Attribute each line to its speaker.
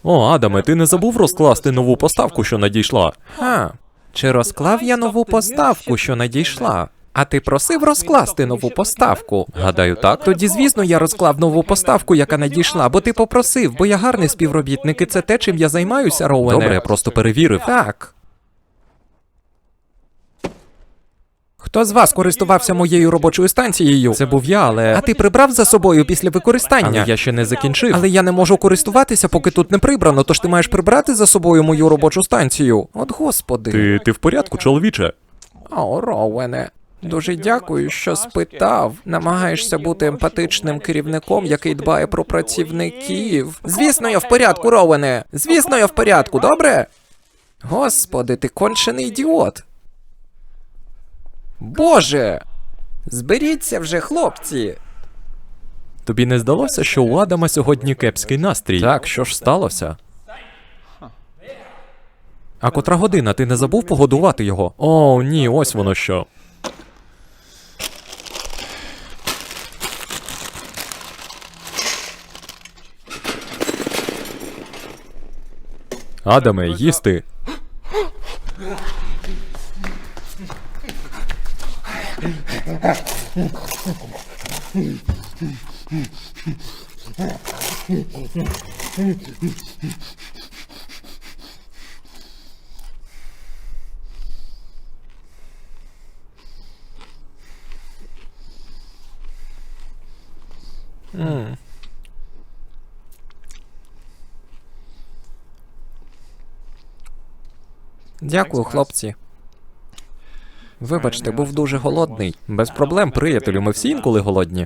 Speaker 1: О, Адаме, ти не забув розкласти нову поставку, що надійшла?
Speaker 2: Чи розклав я нову поставку, що надійшла? А ти просив розкласти нову поставку?
Speaker 1: Гадаю, так.
Speaker 2: Тоді, звісно, я розклав нову поставку, яка надійшла, бо ти попросив, бо я гарний співробітник, і це те, чим я займаюся, Роуене.
Speaker 1: Добре, я просто перевірив.
Speaker 2: Так. Хто з вас користувався моєю робочою станцією?
Speaker 1: Це був я, але...
Speaker 2: А ти прибрав за собою після використання?
Speaker 1: Але я ще не закінчив.
Speaker 2: Але я не можу користуватися, поки тут не прибрано, тож ти маєш прибрати за собою мою робочу станцію. От господи.
Speaker 1: Ти в порядку, чоловіче?
Speaker 2: О, Роуене. Дуже дякую, що спитав. Намагаєшся бути емпатичним керівником, який дбає про працівників. Звісно, я в порядку, Роуене. Звісно, я в порядку, добре? Господи, ти кончений ідіот. Боже! Зберіться вже, хлопці.
Speaker 1: Тобі не здалося, що у Адама сьогодні кепський настрій?
Speaker 2: Так, що ж сталося?
Speaker 1: А котра година? Ти не забув погодувати його? О, ні, ось воно що. Адаме, їсти.
Speaker 2: Дякую, хлопці. Вибачте, був дуже голодний.
Speaker 1: Без проблем, приятелю, ми всі інколи голодні.